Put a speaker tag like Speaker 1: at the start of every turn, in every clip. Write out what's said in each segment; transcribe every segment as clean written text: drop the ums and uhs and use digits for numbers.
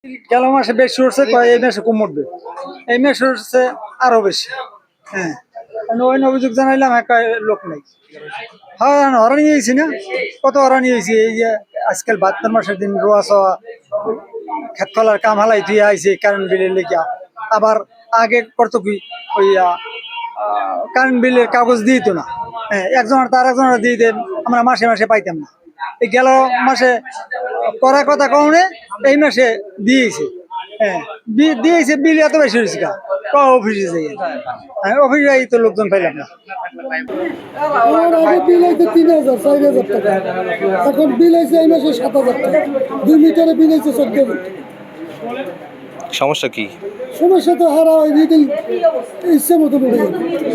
Speaker 1: গেল মাসে বেশি উঠছে, এই মাসে কম উঠবে। এই মাসে উঠছে আরো বেশি। হ্যাঁ, ওই অভিযোগ জানাইলাম, একটা লোক নাই। হ্যাঁ, হরানি হয়েছি না, কত হরানি হয়েছি। এই যে আজকাল 72 মাসের দিন রোয়া সোয়া খেত খোলার কাম হালাই দিয়ে আইছে কারেন্ট বিলের লেগিয়া। আবার আগে করতো কি, ওই কারেন্ট বিলের কাগজ দিত না। হ্যাঁ, একজনের তার একজনের দিয়ে দেন, আমরা মাসে মাসে পাইতাম না। এই গেল মাসে করার কথা কমনে, এই মাসে দিয়েছে। হ্যাঁ, দিয়েছে, বিল এত বেশি হয়েছে গা। অফিসে যাই, হ্যাঁ, অফিসে যাই তো লোকজন পাইলাম না।
Speaker 2: আমার আগে বিল হয়েছে 3,000 4,000 টাকা, এখন বিল হয়েছে এই মাসে 7,000 টাকা। 2 মিটারে বিল হয়েছে 14,000 টাকা।
Speaker 3: সমস্যা কি?
Speaker 2: সমস্যা তো হারা ওই রিডিং ইচ্ছে মতো উঠে যাবে।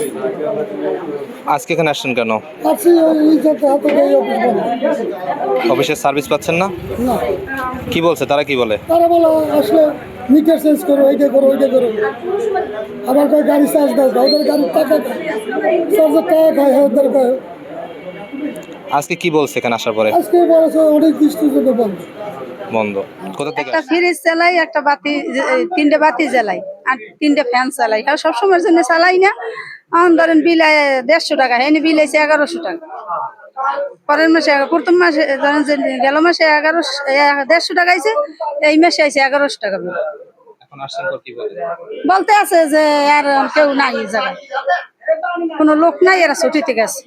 Speaker 3: আজকে এখানে আসছেন কেন?
Speaker 2: আসছি ওই জায়গায় হাতে গায়ে অফিস বন্ধ।
Speaker 3: অফিসের সার্ভিস পাচ্ছেন না?
Speaker 2: না,
Speaker 3: কি বলছে তারা, কি বলে?
Speaker 2: তারা বলে আসলে মিটার চেঞ্জ করো, এইটা করো, ওইটা করো। আবার কয় গাড়ি চার্জ দাও, ওদের গাড়ির টাকা খায়, চার্জের টাকা খায়, ওদের কয়।
Speaker 3: আজকে কি বলছে এখানে আসার পরে?
Speaker 2: আজকে বলেছে অনেক বৃষ্টির জন্য বন্ধ।
Speaker 3: বন্ধ। কোথা থেকে
Speaker 4: একটা ফ্রিজ চালাই, একটা বাতি, 3টে বাতি জ্বালাই, আর 3টে ফ্যান চালাই। আর সবসময়ের জন্য চালাই না। এখন ধরেন বিল 150 টাকা, হেনি বিল আছে 1100 টাকা। পরের মাসে প্রথম মাসে ধরেন যে গেল মাসে 150 টাকা আইছে, এই মাসে আইছে 1100 টাকা বিল।
Speaker 3: এখন আসছেন পর কি বলে?
Speaker 4: বলতে আছে যে আর কেউ নাই এই জায়গায়, কোনো লোক নাই, এরা ছুটিতে গেছে।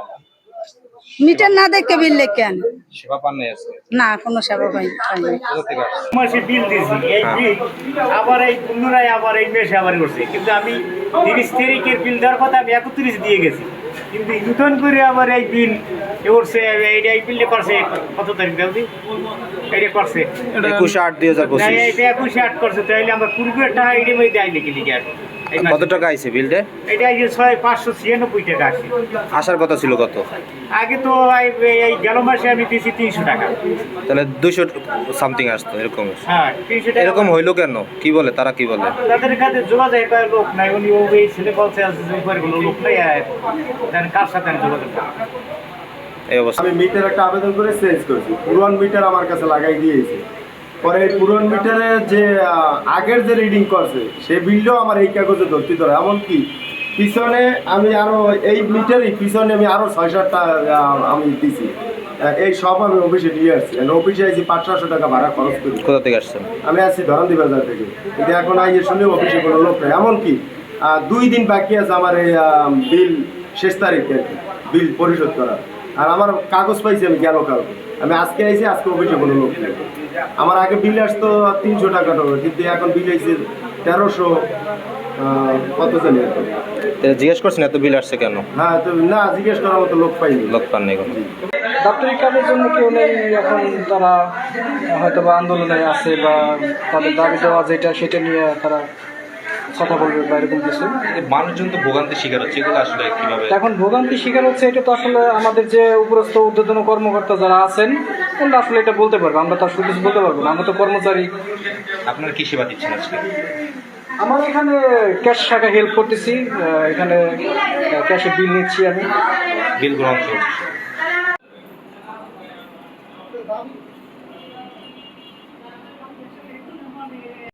Speaker 4: মিটার না দেখে বিল লেখে আনে।
Speaker 3: সেবা পান নাই আজকে?
Speaker 4: না, কোনো সেবা পাইনি।
Speaker 3: কোথা থেকে আসছেন?
Speaker 5: মাসে বিল দিয়েছি, এই বিল আবার এই পুনরায় আবার এই মাসে আবার করছে, কিন্তু আমি 30 তারিখের বিল দেওয়ার কথা আমি 31 দিয়ে গেছি, কিন্তু নতুন করে আবার এই বিল করছে। এই বিলটা করছে কত তারিখ দেওয়া এটা করছে
Speaker 3: 21/8/2025।
Speaker 5: এটা 21/8 করছে, তাইলে আমরা পূর্বের টাকা এটি মধ্যে আইলে কি লিখে আর
Speaker 3: কত টাকা আইছে বিলটা?
Speaker 5: এটা এই যে 596 টাকা আসছে।
Speaker 3: আসার কথা ছিল কত?
Speaker 5: আগে তো এই গেল মাসে আমি দিয়েছি 300 টাকা।
Speaker 3: তাহলে 200 সামথিং আসতো এরকম।
Speaker 5: হ্যাঁ, 300 টাকা।
Speaker 3: এরকম হইলো কেন? কি বলে তারা, কি বলে?
Speaker 5: তাদের কাছে যোগাযোগ করার লোক নাই, উনি ওই ছেলে বলছে কোনো লোক নাই, কার সাথে আমি যোগাযোগ করবো?
Speaker 3: এই অবস্থা।
Speaker 6: আমি মিটার একটা আবেদন করে চেঞ্জ করেছি, পুরান মিটার আমার কাছে লাগাই দিয়েছে। পরে এই পুরান মিটারে যে আগের যে রিডিং করছে সে বিলটাও আমার এই কাগজে ধরতে ধরে। এমনকি পিছনে আমি আরো এই মিটারই পিছনে আমি আরো 6-7টা আমি দিছি। এই সব আমি অফিসে নিয়ে আসছি, অফিসে আসছি 500-600 টাকা ভাড়া খরচ করি।
Speaker 3: কোথা থেকে আসছেন?
Speaker 6: আমি আসছি ধরন্দি বাজার থেকে, কিন্তু এখন আইয়ে শুনে অফিসে কোনো লোক নেই। এমনকি 2 দিন বাকি আছে আমার এই বিল শেষ তারিখে বিল পরিশোধ করার। আর আমার কাগজ পাইছি আমি গেল কালকে, আমি আজকে আইছি, আজকে অফিসে কোনো লোক নেই। আমার আগে বিল আসতো 300 টাকা টাকা, কিন্তু এখন বিল আইছে 1300 কত জানি।
Speaker 3: জিজ্ঞেস করছেন এত বিল আসছে কেন?
Speaker 6: হ্যাঁ, তো না, জিজ্ঞেস করার মতো লোক পাইনি।
Speaker 3: লোক পান নাই কোনো?
Speaker 1: ডাক্তারি কাজের জন্য কেউ নেই এখন, তারা হয়তো বা আন্দোলনে আছে, বা তাদের দাবি দেওয়া যেটা সেটা নিয়ে তারা কথা বলবে বা এরকম কিছু।
Speaker 3: মানুষজন তো ভোগান্তির শিকার হচ্ছে, এগুলো আসলে কিভাবে?
Speaker 1: এখন ভোগান্তির শিকার হচ্ছে, এটা তো আসলে আমাদের যে উপরস্থ ঊর্ধ্বতন কর্মকর্তা যারা আছেন, ওরা আসলে এটা বলতে পারবে। আমরা তো আসলে কিছু বলতে পারবো না, আমরা তো কর্মচারী।
Speaker 3: আপনারা কি সেবা দিচ্ছেন আজকে?
Speaker 1: আমার এখানে ক্যাশ শাখা হেল্প করতেছি, এখানে ক্যাশে বিল নিচ্ছি আমি।
Speaker 3: বিল গ্রহণ চলছে।